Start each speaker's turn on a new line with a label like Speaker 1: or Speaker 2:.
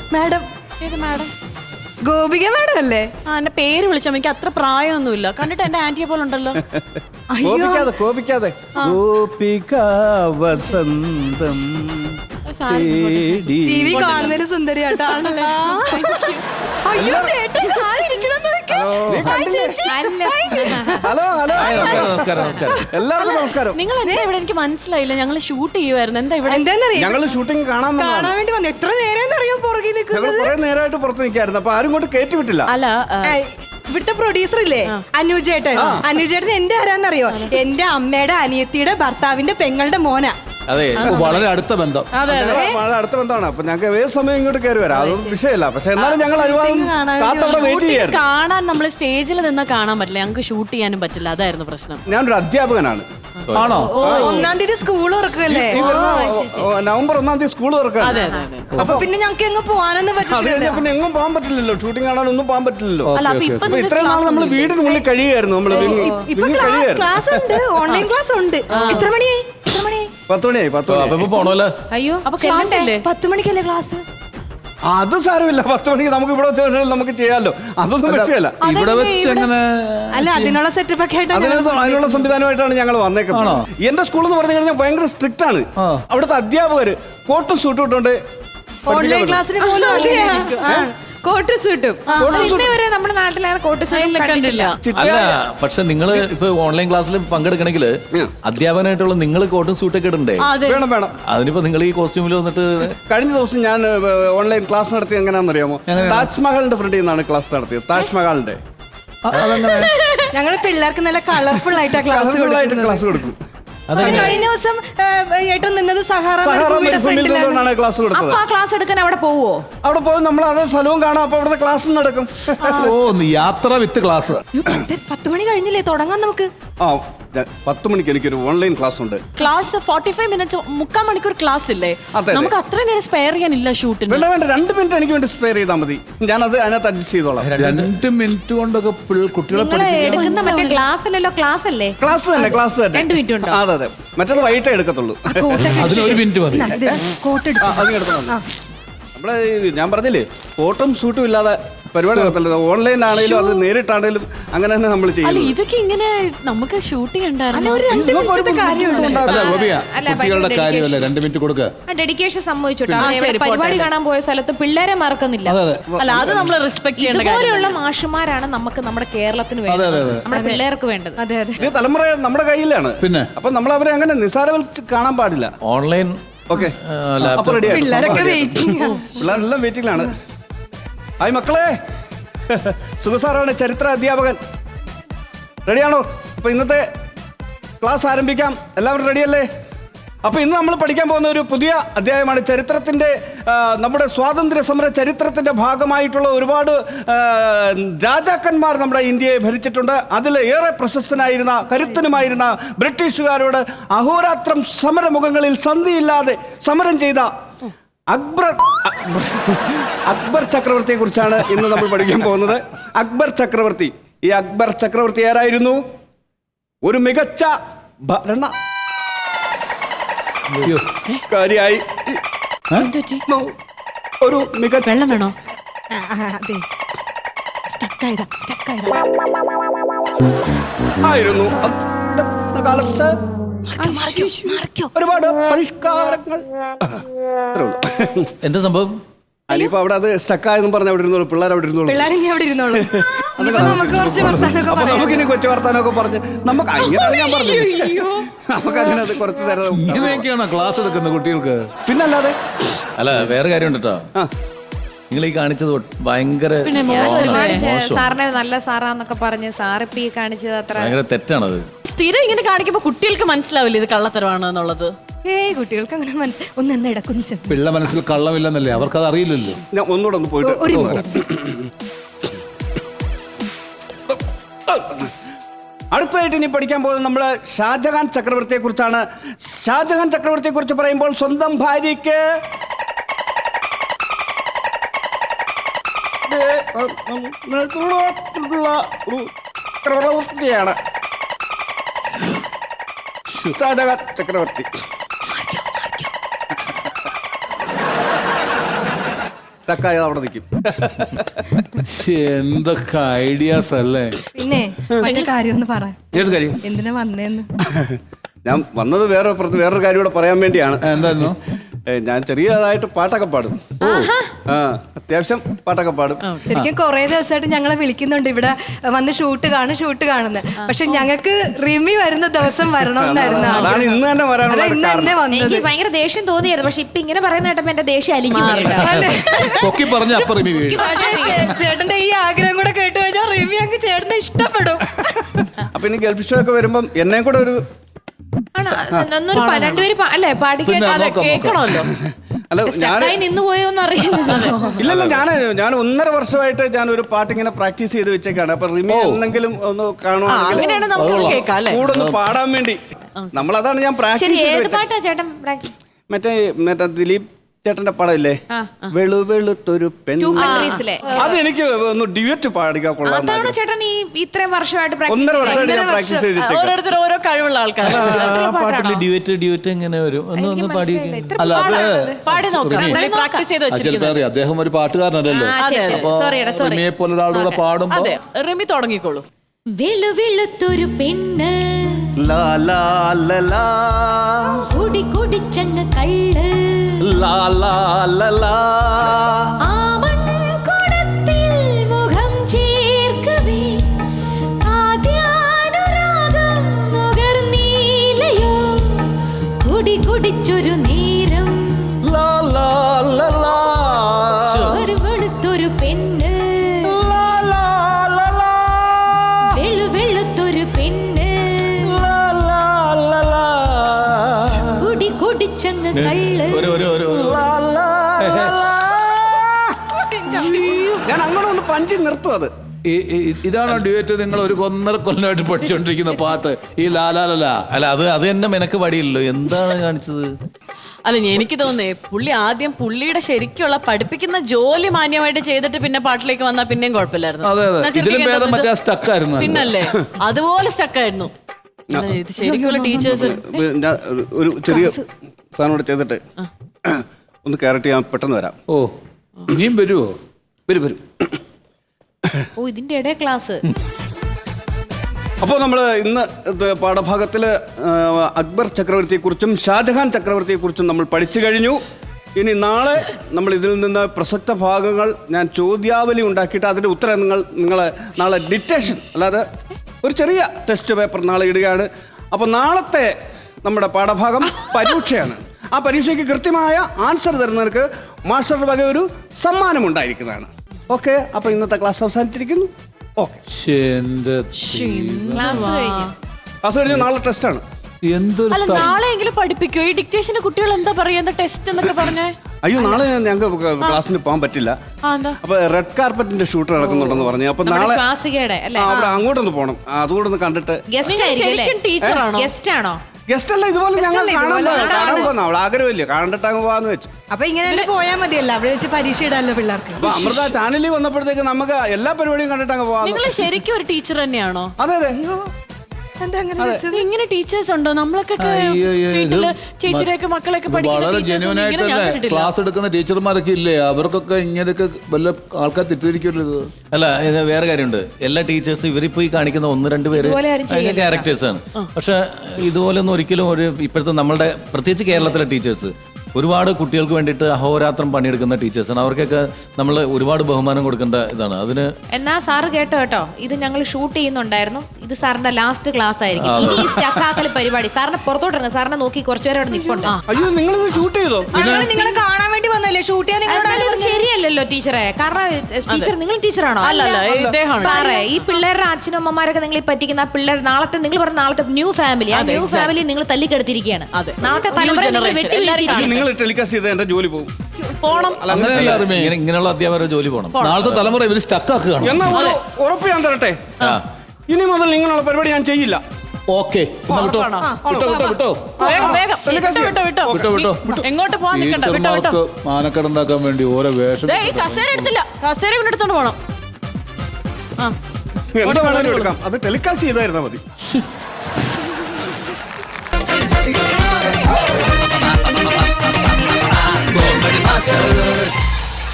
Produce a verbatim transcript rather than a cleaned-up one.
Speaker 1: Madam.
Speaker 2: ഏത് madam?
Speaker 1: Gopika madam അല്ലേ?
Speaker 2: ആ, എന്റെ പേര് വിളിച്ചോ. എനിക്ക് അത്ര പ്രായമൊന്നുമില്ല. കണ്ടിട്ട് എന്റെ ആന്റിയെ പോലെ ഉണ്ടല്ലോ.
Speaker 3: കോപിക്കാതെ കോപിക്കാതെ. ഗോപിക വസന്തം
Speaker 1: ടി വി കാണുന്നൊരു സുന്ദരിയാട്ടോ. അയ്യോ ചേട്ടൻ
Speaker 3: ഹലോ ഹലോ നമസ്കാരം നമസ്കാരം എല്ലാവർക്കും നമസ്കാരം.
Speaker 2: നിങ്ങൾ എന്താ ഇവിടെ? എനിക്ക് മനസ്സിലായില്ല. ഞങ്ങൾ ഷൂട്ട് ചെയ്യുമായിരുന്നു. എന്താ ഇവിടെ?
Speaker 1: എന്താന്നറിയാം,
Speaker 3: ഞങ്ങൾ ഷൂട്ടിംഗ് കാണാൻ
Speaker 1: കാണാൻ വേണ്ടി വന്നു. എത്ര നേരം അറിയാം പുറകെ
Speaker 3: ഞങ്ങൾ
Speaker 1: നിൽക്കുന്നത്.
Speaker 3: കുറെ നേരമായിട്ട് പുറത്ത് നിൽക്കായിരുന്നു. അപ്പൊ ആരും കൊണ്ട് കയറ്റി വിട്ടില്ല.
Speaker 2: അല്ല,
Speaker 1: ഇവിടുത്തെ പ്രൊഡ്യൂസർ ഇല്ലേ അനുജേട്ടൻ, അനുജേട്ടൻ എന്റെ ആരാന്നറിയോ? എന്റെ അമ്മയുടെ അനിയത്തിയുടെ ഭർത്താവിന്റെ പെങ്ങളുടെ മോന.
Speaker 4: അതെ, വളരെ അടുത്ത ബന്ധം.
Speaker 3: വളരെ അടുത്ത ബന്ധമാണ്. അപ്പൊ ഞങ്ങൾക്ക് ഏത് സമയം ഇങ്ങോട്ട് കയറി വരാം, അതൊന്നും വിഷയമില്ല. പക്ഷെ എന്നാലും ഞങ്ങൾ അനുവാദം കാത്തവിടെ വെയിറ്റ് ചെയ്യായിരുന്നു.
Speaker 2: കാണാൻ നമ്മൾ സ്റ്റേജിൽ നിന്ന് കാണാൻ പറ്റില്ല, ഞങ്ങൾക്ക് ഷൂട്ട് ചെയ്യാനും പറ്റില്ല. അതായിരുന്നു പ്രശ്നം.
Speaker 3: ഞാനൊരു അധ്യാപകനാണ്.
Speaker 4: ആണോ?
Speaker 1: ഒന്നാം തീയതി സ്കൂൾ തുറക്കല്ലേ?
Speaker 3: നവംബർ ഒന്നാം തീയതി സ്കൂൾ തുറക്കാണ്.
Speaker 1: അപ്പൊ പിന്നെ ഞങ്ങൾക്ക് എങ്ങ് പോകാനൊന്നും പറ്റില്ല.
Speaker 3: പിന്നെ എങ്ങും പോകാൻ പറ്റില്ലല്ലോ, ഷൂട്ടിംഗ് കാണാനൊന്നും പോകാൻ പറ്റില്ലല്ലോ.
Speaker 2: അല്ല, അപ്പൊ ഇപ്പൊ നിങ്ങൾക്ക്
Speaker 3: ഇത്രയും നാൾ നമ്മൾ വീടിനുള്ളിൽ കഴിയുമായിരുന്നു. നമ്മൾ
Speaker 1: ക്ലാസ് ഉണ്ട്, ഓൺലൈൻ ക്ലാസ് ഉണ്ട്. എത്ര മണിയായി? എത്ര മണിയായി?
Speaker 3: പത്ത് മണിയായി. പത്ത് മണി
Speaker 4: അപ്പൊ പോണല്ലോ.
Speaker 2: അയ്യോ, അപ്പൊ ക്ലാസ് അല്ലേ?
Speaker 1: പത്ത് മണിക്കല്ലേ ക്ലാസ്?
Speaker 3: അത് സാരമില്ല, പത്ത് മണിക്ക് നമുക്ക് ഇവിടെ നമുക്ക് ചെയ്യാലോ, അതൊന്നും വിഷയമല്ല.
Speaker 4: ഇവിടെ വെച്ച് എങ്ങനെ?
Speaker 1: അല്ല, അതിനുള്ള സെറ്റപ്പ് ഒക്കെ ആയിട്ട്
Speaker 3: അതിനകത്ത് അതിനുള്ള സംവിധാനമായിട്ടാണ് ഞങ്ങൾ വന്നേക്കുന്നത്. എന്റെ സ്കൂൾ എന്ന് പറഞ്ഞു കഴിഞ്ഞാൽ ഭയങ്കര സ്ട്രിക്റ്റ് ആണ്. അവിടുത്തെ അധ്യാപകര് കോട്ടും സൂട്ടും ഇട്ടുകൊണ്ട്
Speaker 1: ഓൺലൈൻ ക്ലാസ്സിന് പോലും
Speaker 5: കോട്ട് സൂട്ടും വരെ നമ്മുടെ നാട്ടിലാണ് കോട്ട് സൂട്ടും കണ്ടിട്ടില്ല.
Speaker 4: അല്ല, പക്ഷെ നിങ്ങൾ ഇപ്പൊ ഓൺലൈൻ ക്ലാസ്സിൽ പങ്കെടുക്കണമെങ്കിൽ അധ്യാപകനായിട്ടുള്ള നിങ്ങൾ കോട്ടും സൂട്ടൊക്കെ ഇടണ്ടേ?
Speaker 3: വേണം വേണം.
Speaker 4: അതിനിപ്പോ നിങ്ങൾ ഈ കോസ്റ്റ്യൂമിൽ വന്നിട്ട്.
Speaker 3: കഴിഞ്ഞ ദിവസം ഞാൻ ഓൺലൈൻ ക്ലാസ് നടത്തി. എങ്ങനെയാണെന്ന് അറിയാമോ? താജ്മഹലിന്റെ ഫ്രണ്ടിൽ നിന്നാണ് ക്ലാസ് നടത്തിയത്. താജ്മഹലിന്റെ
Speaker 1: ഞങ്ങൾ പിള്ളേർക്ക് നല്ല കളർഫുൾ ആയിട്ട് ക്ലാസ്
Speaker 3: ക്ലാസ് കൊടുക്കും.
Speaker 1: കഴിഞ്ഞ ദിവസം ഏട്ടൻ നിന്നത് സഹാറ
Speaker 3: ഫ്രണ്ടിലാണ് ക്ലാസ് കൊടുത്തത്.
Speaker 5: ആ ക്ലാസ് എടുക്കാൻ അവിടെ പോവോ?
Speaker 3: അവിടെ പോയി നമ്മൾ അതേ സ്ഥലവും കാണാം. അപ്പൊ അവിടുത്തെ ക്ലാസ് നടക്കും.
Speaker 4: ഓ, യാത്ര വിത്ത് ക്ലാസ്.
Speaker 1: പത്ത് മണി കഴിഞ്ഞില്ലേ തുടങ്ങാൻ നമുക്ക്?
Speaker 3: ആ, പത്ത് മണിക്ക് എനിക്കൊരു ഓൺലൈൻ ക്ലാസ് ഉണ്ട്.
Speaker 2: ക്ലാസ് ഫോർട്ടി ഫൈവ് മിനിറ്റ്സ്, മുക്കാൽ മണിക്കൂർ ക്ലാസ് ഇല്ലേ? നമുക്ക് അത്ര നേരം സ്പെയർ ചെയ്യാനില്ല ഷൂട്ടിന്.
Speaker 3: വേണ്ട വേണ്ട, രണ്ട് മിനിറ്റ് എനിക്ക് വേണ്ടി സ്പെയർ ചെയ്താൽ മതി. ഞാനത് അതിനകത്ത് അഡ്ജസ്റ്റ് ചെയ്തോളാം.
Speaker 4: രണ്ട് മിനിറ്റ് കൊണ്ടൊക്കെ കുട്ടികളെ
Speaker 5: എടുക്കുന്ന മറ്റേ ക്ലാസ് അല്ലല്ലോ, ക്ലാസ് അല്ലേ?
Speaker 3: ക്ലാസ് തന്നെ, ക്ലാസ് തന്നെ.
Speaker 5: രണ്ട് മിനിറ്റ് ഉണ്ടോ?
Speaker 3: അതെ അതെ, മറ്റേത് വൈകിട്ടേ എടുക്കത്തുള്ളൂ.
Speaker 4: അതിനൊരു മിനിറ്റ് മതി.
Speaker 3: നമ്മളെ ഞാൻ പറഞ്ഞില്ലേ, കോട്ടും സൂട്ടും ഇല്ലാതെ പരിപാടി നടത്തല്ലേ. ഓൺലൈൻ ആണെങ്കിലും അത് നേരിട്ടാണെങ്കിലും അങ്ങനെ തന്നെ നമ്മൾ ചെയ്യും.
Speaker 2: ഇതൊക്കെ ഇങ്ങനെ നമുക്ക് ഷൂട്ട് ചെയ്യണ്ടായിരുന്നു.
Speaker 4: കുട്ടികളുടെ കാര്യമല്ലേ, രണ്ട് മിനിറ്റ് കൊടുക്കുക.
Speaker 5: ഡെഡിക്കേഷൻ സംഭവിച്ചോട്ടോ. പരിപാടി കാണാൻ പോയ സ്ഥലത്ത് പിള്ളേരെ മറക്കുന്നില്ല.
Speaker 2: അല്ല, അത് നമ്മൾ റെസ്പെക്ട് ചെയ്യേണ്ട.
Speaker 5: ഇതുപോലെയുള്ള മാഷുമാരാണ് നമുക്ക് നമ്മുടെ കേരളത്തിന് വേണ്ടത്, നമ്മുടെ പിള്ളേർക്ക് വേണ്ടത്.
Speaker 1: അതെ അതെ,
Speaker 3: ഈ തലമുറ നമ്മുടെ കയ്യിലാണ്.
Speaker 4: പിന്നെ
Speaker 3: അപ്പൊ നമ്മൾ അവരെ അങ്ങനെ നിസ്സാരവൽക്കരിച്ച് കാണാൻ പാടില്ല.
Speaker 4: ഓൺലൈൻ
Speaker 3: ഓക്കെ,
Speaker 1: പിള്ളേരൊക്കെ വെയിറ്റിംഗ്,
Speaker 3: പിള്ളേരെല്ലാം വെയിറ്റിംഗിലാണ്. ഹായ് മക്കളെ, സുഖസാറാണ്, ചരിത്ര അധ്യാപകൻ. റെഡിയാണോ? അപ്പൊ ഇന്നത്തെ ക്ലാസ് ആരംഭിക്കാം. എല്ലാവരും റെഡിയല്ലേ? അപ്പൊ ഇന്ന് നമ്മൾ പഠിക്കാൻ പോകുന്ന ഒരു പുതിയ അധ്യായമാണ്. ചരിത്രത്തിന്റെ, നമ്മുടെ സ്വാതന്ത്ര്യ സമര ചരിത്രത്തിന്റെ ഭാഗമായിട്ടുള്ള ഒരുപാട് രാജാക്കന്മാർ നമ്മുടെ ഇന്ത്യയെ ഭരിച്ചിട്ടുണ്ട്. അതിൽ ഏറെ പ്രശസ്തനായിരുന്ന, കരുത്തനുമായിരുന്ന ബ്രിട്ടീഷുകാരോട് അഹോരാത്രം സമരമുഖങ്ങളിൽ സന്ധിയില്ലാതെ സമരം ചെയ്ത അക്ബർ അക്ബർ ചക്രവർത്തിയെ കുറിച്ചാണ് ഇന്ന് നമ്മൾ പഠിക്കാൻ പോകുന്നത്. അക്ബർ ചക്രവർത്തി. ഈ അക്ബർ ചക്രവർത്തി ആരായിരുന്നു? ഒരു മികച്ച ഭരണ കാര്യായി ഒരു മികച്ച
Speaker 2: വെള്ളം വേണോ?
Speaker 3: ആയിരുന്നു കാലത്ത്. ഒരുപാട് പരിഷ്കാരങ്ങൾ.
Speaker 4: എന്താ സംഭവം?
Speaker 3: അലിപ്പോ അവിടെ അത് സ്റ്റക്കായെന്നും പറഞ്ഞ അവിടെ ഇരുന്നോളൂ, പിള്ളേർ അവിടെ ഇരുന്നോളൂ. നമുക്ക് ഇനി കൊച്ചു വർത്താനൊക്കെ പറഞ്ഞ് നമുക്ക് അങ്ങനെയാണ് ഞാൻ പറഞ്ഞത്. നമുക്ക് അങ്ങനെ അത് കുറച്ച് നേരം
Speaker 4: ഇങ്ങനെയൊക്കെയാണോ ക്ലാസ് എടുക്കുന്ന കുട്ടികൾക്ക്?
Speaker 3: പിന്നല്ലാതെ.
Speaker 4: അല്ല, വേറെ കാര്യമുണ്ട് കേട്ടോ. നിങ്ങൾ ഈ കാണിച്ചത് ഭയങ്കര
Speaker 5: സാറിനെ നല്ല സാറാന്നൊക്കെ പറഞ്ഞ് സാറിപ്പി കാണിച്ചത് അത്ര
Speaker 4: ഭയങ്കര തെറ്റാണത്.
Speaker 2: സ്ഥിരം ഇങ്ങനെ കാണിക്കുമ്പോ കുട്ടികൾക്ക് മനസ്സിലാവില്ല ഇത് കള്ളത്തരമാണ് എന്നുള്ളത്.
Speaker 1: ഏയ്, കുട്ടികൾക്ക് അങ്ങനെ മനസ്സിൽ ഒന്ന് ഇടക്കുന്നു.
Speaker 4: പിള്ള മനസ്സിൽ കള്ളമില്ലെന്നല്ലേ, അവർക്കത് അറിയില്ലല്ലോ.
Speaker 3: ഞാൻ ഒന്നുകൂടെ ഒന്ന് പോയിട്ട് അടുത്തതായിട്ട് ഇനി പഠിക്കാൻ പോകുന്നത് നമ്മൾ ഷാജഹാൻ ചക്രവർത്തിയെ കുറിച്ചാണ്. ഷാജഹാൻ ചക്രവർത്തിയെ കുറിച്ച് പറയുമ്പോൾ സ്വന്തം ഭാര്യയ്ക്ക് ചക്രവർത്തിയാണ് ഷാജഹാൻ ചക്രവർത്തി. തക്കായ അവിടെ നിൽക്കും.
Speaker 6: എന്തൊക്കെ ഐഡിയാസ് അല്ലേ.
Speaker 1: പിന്നെ മറ്റേ കാര്യം ഒന്ന് പറ.
Speaker 3: ഏത് കാര്യം?
Speaker 1: എന്തിനാ വന്നേന്ന്?
Speaker 3: ഞാൻ വന്നത് വേറെ പുറത്ത് വേറൊരു കാര്യം കൂടെ പറയാൻ വേണ്ടിയാണ്.
Speaker 6: എന്തായിരുന്നു?
Speaker 3: ഏ, ഞാൻ ചെറിയതായിട്ട് പാട്ടൊക്കെ പാടും. ആ അത്യാവശ്യം പാട്ടൊക്കെ പാടും.
Speaker 1: ശരിക്കും കുറെ ദിവസമായിട്ട് ഞങ്ങളെ വിളിക്കുന്നുണ്ട് ഇവിടെ വന്ന് ഷൂട്ട് കാണും ഷൂട്ട് കാണുന്നത്. പക്ഷെ ഞങ്ങൾക്ക് റിമി വരുന്ന ദിവസം വരണമെന്നായിരുന്നു.
Speaker 3: അതാണ് ഇന്ന് തന്നെ വരാനുള്ള
Speaker 1: അതാ ഇന്ന്
Speaker 3: കാരണം.
Speaker 1: തന്നെ വന്നത്.
Speaker 5: എനിക്ക് ഭയങ്കര ദേഷ്യം തോന്നിയായിരുന്നു. പക്ഷെ ഇപ്പൊ ഇങ്ങനെ പറയുന്ന കേട്ടപ്പോ എന്റെ ദേഷ്യം അലിഞ്ഞു കേട്ടോ.
Speaker 6: പൊക്കി പറഞ്ഞ അപ്പുറം റിമി വീഴും.
Speaker 1: പക്ഷേ ചേ- ചേട്ടന്റെ ഈ ആഗ്രഹം കൂടെ കേട്ട് കഴിഞ്ഞാൽ റിമി അങ്ങ് ചേട്ടനെ ഇഷ്ടപ്പെടും.
Speaker 3: അപ്പൊ ഇനി ഗൾഫ് ഷോ ഒക്കെ വരുമ്പം എന്നെ കൂടെ ഒരു
Speaker 5: ആണോ? ഒന്നൊരു പ- രണ്ടുപേര് പാ- അല്ലേ പാടിക്കാൻ
Speaker 6: പിന്നെ
Speaker 2: അതെ
Speaker 6: നോക്കാം,
Speaker 2: കേൾക്കണമല്ലോ.
Speaker 3: അല്ല ഞാൻ
Speaker 5: സ്റ്റക്കായി നിന്ന് പോയോന്ന് അറിയുന്നത്.
Speaker 3: ഇല്ലല്ല ഞാൻ ഞാൻ ഒന്നര വർഷമായിട്ട് ഞാൻ ഒരു പാട്ട് ഇങ്ങനെ പ്രാക്ടീസ് ചെയ്ത് വെച്ചേക്കാണ്. അപ്പൊ റിമി എന്തെങ്കിലും ഒന്ന്
Speaker 2: ആ,
Speaker 3: കാണുവാണെങ്കിൽ
Speaker 2: അങ്ങനെയാണ് നമുക്ക് കേൾക്കാം അല്ലേ.
Speaker 3: കൂടെ ഒന്ന് പാടാൻ വേണ്ടി നമ്മളതാണ് ഞാൻ
Speaker 5: ശരി,
Speaker 3: പ്രാക്ടീസ് ചെയ്ത്
Speaker 5: ഏത്
Speaker 3: വെച്ചത്.
Speaker 5: പാട്ടാ ചേട്ടൻ പ്രാക്ടീസ്?
Speaker 3: മറ്റേ മറ്റേ ദിലീപ് ചേട്ടന്റെ പടമില്ലേ,
Speaker 5: ആ.
Speaker 3: വെളു വെളുത്തൊരു പെൺ.
Speaker 5: ടു കൺട്രീസിലെ
Speaker 3: അത് എനിക്ക് ഒന്ന് ഡ്യുവറ്റ് പാടിക്കാൻ കൊള്ളാം.
Speaker 5: അതാണോ ചേട്ടൻ ഈ ഇത്രയും വർഷമായിട്ട് പ്രാക്ടീസ്
Speaker 3: ഒന്നര
Speaker 5: ചെയ്തത്?
Speaker 3: വർഷമായിട്ട് ഞാൻ പ്രാക്ടീസ് ചെയ്ത് വെച്ചേക്കാം.
Speaker 2: ഓരോരുത്തർ ഓരോ കഴിവുള്ള ആൾക്കാർ.
Speaker 4: ആ പാട്ടിൽ ഡ്യുവറ്റ് ഡ്യുവറ്റ് എങ്ങനെ വരും? ഒന്ന്
Speaker 5: എനിക്ക്
Speaker 4: ഒന്ന് പാടി.
Speaker 5: മനസ്സിലായില്ല. ഇത്ര
Speaker 6: അല്ല, അത്
Speaker 5: പാടാണത്.
Speaker 2: പാടി നോക്കാം.
Speaker 5: റിമി.
Speaker 2: പ്രാക്ടീസ് ചെയ്ത്
Speaker 6: ആ, ചിലപ്പോ
Speaker 2: വെച്ചിരിക്കുന്നത്.
Speaker 6: അറിയാം, അദ്ദേഹം ഒരു പാട്ടുകാരനല്ലല്ലോ.
Speaker 5: ആ, ശരി, ശരി.
Speaker 6: അപ്പൊ
Speaker 5: Sorry എടാ, sorry.
Speaker 6: റിമിയെ പോലെ ഒരാളുടെ പാടുമ്പോ
Speaker 2: അതെ, റിമി തുടങ്ങിക്കോളൂ.
Speaker 7: വെളു വെളുത്തൊരു പെണ്ണ്
Speaker 3: ലാ ലാ ലാ ലാ
Speaker 7: കുടി കുടിച്ചങ്ങ് കള്ള്
Speaker 3: ലാ ലാ ലാ ലാ
Speaker 7: ആമൺകുടത്തിൽ മുഖം ചേർക്കവേ ആദ്യാനുരാഗം നുകർന്നീലയോ കുടി കുടിച്ചൊരു നേരം
Speaker 3: ലാ ലാ ലാ ലാ
Speaker 7: ഒരു വെളുത്തൊരു പെണ്ണ്
Speaker 3: ലാ ലാ ലാ ലാ
Speaker 7: വെളു വെളുത്തൊരു പെണ്ണ്
Speaker 3: ലാ ലാ ലാ ലാ
Speaker 7: കുടി കുടിച്ചങ്ങ് കള്ള്
Speaker 4: ഒരു ഒരു ഒരു ഒരു-
Speaker 3: ലാ ലാ ലാ ലാ. ഞാൻ അങ്ങനെ ഒന്ന് പഞ്ചി നിർത്തും അത്.
Speaker 6: ഈ- ഈ- ഇതാണോ ഡ്യുവറ്റ് നിങ്ങൾ ഒരു ഒന്നര കൊല്ലമായിട്ട് പഠിച്ചുകൊണ്ടിരിക്കുന്ന പാട്ട്? ഈ ലാലാലല
Speaker 4: അല്ല അത് അത് തന്നെ മെനക്ക് പാടിയില്ലല്ലോ. എന്താണ് കാണിച്ചത്?
Speaker 2: അല്ല, എനിക്ക് തോന്നുന്നേ പുള്ളി ആദ്യം പുള്ളിയുടെ ശരിക്കുള്ള പഠിപ്പിക്കുന്ന ജോലി മാന്യമായിട്ട് ചെയ്തിട്ട് പിന്നെ പാട്ടിലേക്ക് വന്നാൽ പിന്നെയും കുഴപ്പമില്ലായിരുന്നു.
Speaker 6: അതെ, അതെ.
Speaker 2: ഞാൻ ശരിക്കും
Speaker 6: ഇതിലും ഭേദം
Speaker 2: കേട്ടത്
Speaker 6: മറ്റേ ആ stuck ആയിരുന്നു അത്.
Speaker 2: പിന്നല്ലേ, അതുപോലെ സ്റ്റക്കായിരുന്നു. ഇത് ശരിക്കുള്ള ടീച്ചേഴ്സ്
Speaker 3: ഞാൻ ഒരു- ഒരു ചെറിയ സാധനം കൂടെ ചെയ്തിട്ട് ഒന്ന് കയറിട്ട് ഞാൻ പെട്ടെന്ന് വരാം.
Speaker 6: ഓ, ഇനിയും വരുമോ?
Speaker 3: വരും വരും.
Speaker 5: ഓ, ഇതിന്റെ ഇടയിൽ ക്ലാസ്.
Speaker 3: അപ്പോൾ നമ്മൾ ഇന്ന് ഇത് പാഠഭാഗത്തിൽ അക്ബർ ചക്രവർത്തിയെക്കുറിച്ചും ഷാജഹാൻ ചക്രവർത്തിയെക്കുറിച്ചും നമ്മൾ പഠിച്ചു കഴിഞ്ഞു. ഇനി നാളെ നമ്മൾ ഇതിൽ നിന്ന് പ്രസക്ത ഭാഗങ്ങൾ ഞാൻ ചോദ്യാവലി ഉണ്ടാക്കിയിട്ട് അതിൻ്റെ ഉത്തരം നിങ്ങൾ നിങ്ങളെ നാളെ ഡിറ്റേഷൻ, അല്ലാതെ ഒരു ചെറിയ ടെസ്റ്റ് പേപ്പർ നാളെ ഇടുകയാണ്. അപ്പോൾ നാളത്തെ നമ്മുടെ പാഠഭാഗം പരീക്ഷയാണ്. ആ പരീക്ഷയ്ക്ക് കൃത്യമായ ആൻസർ തരുന്നവർക്ക് മാസ്റ്ററുടെ വക ഒരു സമ്മാനം ഉണ്ടായിരിക്കുന്നതാണ്. ഓക്കെ, അപ്പോൾ ഇന്നത്തെ ക്ലാസ് അവസാനിച്ചിരിക്കുന്നു. ഓക്കെ,
Speaker 6: എന്റെ
Speaker 5: ക്ലാസ് കഴിഞ്ഞു.
Speaker 3: ക്ലാസ് കഴിഞ്ഞ് നാളെ ടെസ്റ്റാണ്.
Speaker 6: എന്തൊരു
Speaker 2: അല്ല, നാളെയെങ്കിലും പഠിപ്പിക്കോ ഈ ഡിക്റ്റേഷന്? കുട്ടികൾ എന്താ പറയാ, എന്താ ടെസ്റ്റ് എന്നൊക്കെ പറഞ്ഞേ?
Speaker 3: അയ്യോ, നാളെ ഞങ്ങൾക്ക് ക്ലാസ്സിന് പോകാൻ പറ്റില്ല.
Speaker 2: ആ, എന്താ?
Speaker 3: അപ്പൊ റെഡ് കാർപ്പറ്റിന്റെ ഷൂട്ട് നടക്കുന്നുണ്ടെന്ന് പറഞ്ഞു. അപ്പൊ
Speaker 5: നമ്മുടെ
Speaker 3: നാളെ
Speaker 5: ശ്വാസികയുടെ അല്ലേ?
Speaker 3: ആ, അവിടെ അങ്ങോട്ടൊന്ന് പോകണം. അതുകൂടെ ഒന്ന് കണ്ടിട്ട്.
Speaker 5: ഗസ്റ്റ്
Speaker 2: നിങ്ങൾ
Speaker 5: ആയിരിക്കും
Speaker 2: ശരിക്കും ടീച്ചറാണോ?
Speaker 5: ഗസ്റ്റ് ആണോ?
Speaker 3: ഗസ്റ്റ് അല്ല, ഇതുപോലെ ഞങ്ങൾ കാണാൻ പോ- കാണാൻ പോകുന്ന അവൾ ആഗ്രഹമില്ല, കണ്ടിട്ട് അങ്ങ് പോവാന്ന് വെച്ചു.
Speaker 1: അപ്പൊ ഇങ്ങനെ തന്നെ പോയാൽ മതിയല്ലോ, അവിടെ വെച്ച് പരീക്ഷ ഇടാമല്ലോ പിള്ളേർക്ക്.
Speaker 3: അപ്പൊ അമൃത ചാനലിൽ വന്നപ്പോഴത്തേക്ക് നമുക്ക് എല്ലാ പരിപാടിയും കണ്ടിട്ട് അങ്ങ് പോവാന്ന്.
Speaker 2: നിങ്ങൾ ശരിക്കും ഒരു ടീച്ചർ തന്നെയാണോ?
Speaker 3: അതെ അതെ.
Speaker 1: എന്താ അങ്ങനെ വെച്ചത്?
Speaker 2: ഇങ്ങനെ ടീച്ചേഴ്സ് ഉണ്ടോ? നമ്മളൊക്കെ
Speaker 6: അയ്യോ, അയ്യോ, ഇത്
Speaker 2: വീട്ടില് ചേച്ചിയുടെയൊക്കെ മക്കളൊക്കെ
Speaker 6: ഇത്
Speaker 2: പഠിക്കുന്ന
Speaker 6: വളരെ
Speaker 2: teachers
Speaker 6: ജെന്യൂൻ
Speaker 2: ഒന്നും ഇങ്ങനെ ഞാൻ
Speaker 6: ആയിട്ടല്ലേ
Speaker 2: കണ്ടിട്ടില്ല.
Speaker 6: ക്ലാസ് എടുക്കുന്ന ടീച്ചർമാരൊക്കെ ഇല്ലേ? അവർക്കൊക്കെ ഇങ്ങനെയൊക്കെ വല്ല ആൾക്കാർ തെറ്റിദ്ധരിക്കുമല്ലോ ഇത്.
Speaker 4: അല്ല, ഇത് വേറെ കാര്യമുണ്ട്. എല്ലാ ടീച്ചേഴ്സ് ഇവരിപ്പോ ഈ കാണിക്കുന്ന ഒന്ന് രണ്ട് പേര്
Speaker 5: ഇതുപോലെ ആരും ചെയ്യില്ല.
Speaker 4: ക്യാരക്ടേഴ്സ് ആണ്. പക്ഷെ ഇതുപോലെ ഒന്നും ഒരിക്കലും ഒരു ഇപ്പോഴത്തെ നമ്മളുടെ പ്രത്യേകിച്ച് കേരളത്തിലെ ടീച്ചേഴ്സ് ഒരുപാട് കുട്ടികൾക്ക് വേണ്ടിയിട്ട് അഹോരാത്രം പണിയെടുക്കുന്ന ടീച്ചേഴ്സാണ്. അവർക്കൊക്കെ നമ്മൾ ഒരുപാട് ബഹുമാനം കൊടുക്കേണ്ട ഇതാണ്. അതിന്
Speaker 5: എന്നാ സാറ് കേട്ടോ കേട്ടോ, ഇത് ഞങ്ങൾ ഷൂട്ട് ചെയ്യുന്നുണ്ടായിരുന്നു. ഇത് സാറിന്റെ ലാസ്റ്റ് ക്ലാസ് ആയിരിക്കും. ഇനി ഈ സ്റ്റക്കാക്കൽ പരിപാടി സാറിനെ പുറത്തോട്ടിറങ്ങും. സാറിനെ നോക്കി കുറച്ചുപേരെ അവിടെ നിൽപ്പുണ്ട്.
Speaker 3: അയ്യോ, നിങ്ങളിത് ഷൂട്ട് ചെയ്തോ?
Speaker 1: ഞങ്ങൾ നിങ്ങളെ കാണാൻ വേണ്ടി വന്നല്ലേ, ഷൂട്ട് ചെയ്യാൻ നിങ്ങളോട്
Speaker 5: എന്നാലും ഇത് ശരിയല്ലല്ലോ ടീച്ചറെ. കാരണം ടീച്ചർ, നിങ്ങൾ ടീച്ചറാണോ?
Speaker 2: അല്ലല്ല, ഇദ്ദേഹമാണ്.
Speaker 5: സാറേ, ഈ പിള്ളേരുടെ അച്ഛനും അമ്മമാരൊക്കെ നിങ്ങൾ ഈ പറ്റിക്കുന്ന ആ പിള്ളേർ നാളത്തെ, നിങ്ങൾ പറഞ്ഞ നാളത്തെ ന്യൂ ഫാമിലി, ആ ന്യൂ ഫാമിലി നിങ്ങൾ തല്ലിക്കെടുത്തിരിക്കുകയാണ്.
Speaker 2: അതെ.
Speaker 5: നാളത്തെ
Speaker 2: New
Speaker 5: തലമുറ നിങ്ങൾ
Speaker 2: generation.
Speaker 5: വെട്ടിവീഴ്ത്തിയിരിക്കുകയാണ്.
Speaker 3: നിങ്ങൾ ടെലികാസ്റ്റ് ചെയ്ത എന്റെ ജോലി പോകും.
Speaker 2: പോണം.
Speaker 3: അല്ല, അങ്ങനെ
Speaker 6: അങ്ങനെയല്ല
Speaker 3: ചെയ്യാം.
Speaker 6: റിമി.
Speaker 4: ഇങ്ങനെ ഇങ്ങനെയുള്ള അധ്യാപകരുടെ ജോലി പോകണം.
Speaker 6: നാളത്തെ തലമുറ ഇവര് സ്റ്റക്കാക്കുകയാണ്.
Speaker 3: എന്നാ ഒരു ഉറപ്പ് ഞാൻ തരട്ടെ, ഇനി മുതൽ ഇങ്ങനെയുള്ള പരിപാടി ഞാൻ ചെയ്യില്ല.
Speaker 6: ഓക്കെ, വിട്ടോ
Speaker 2: ആണോ?
Speaker 6: വിട്ടോ വിട്ടോ വിട്ടോ
Speaker 2: വേഗം, വേഗം. വിട്ടോ, വിട്ടോ, വിട്ടോ.
Speaker 6: വിട്ടോ, വിട്ടോ.
Speaker 2: എങ്ങോട്ട് പോവാൻ നിൽക്കണ്ട. വിട്ടോ, വിട്ടോ.
Speaker 6: ടീച്ചർമാർക്ക് മാനക്കേടുണ്ടാക്കാൻ വേണ്ടി ഓരോ വേഷം
Speaker 2: ദേ, ഈ കസേര എടുത്തില്ല. കസേര കൊണ്ട് എടുത്തോണ്ട് പോണം. ആ,
Speaker 3: എന്താ വേണമെങ്കിലും എടുക്കാം, അത് ടെലികാസ്റ്റ് ചെയ്തായിരുന്നാ മതി.
Speaker 8: Comedy Masters.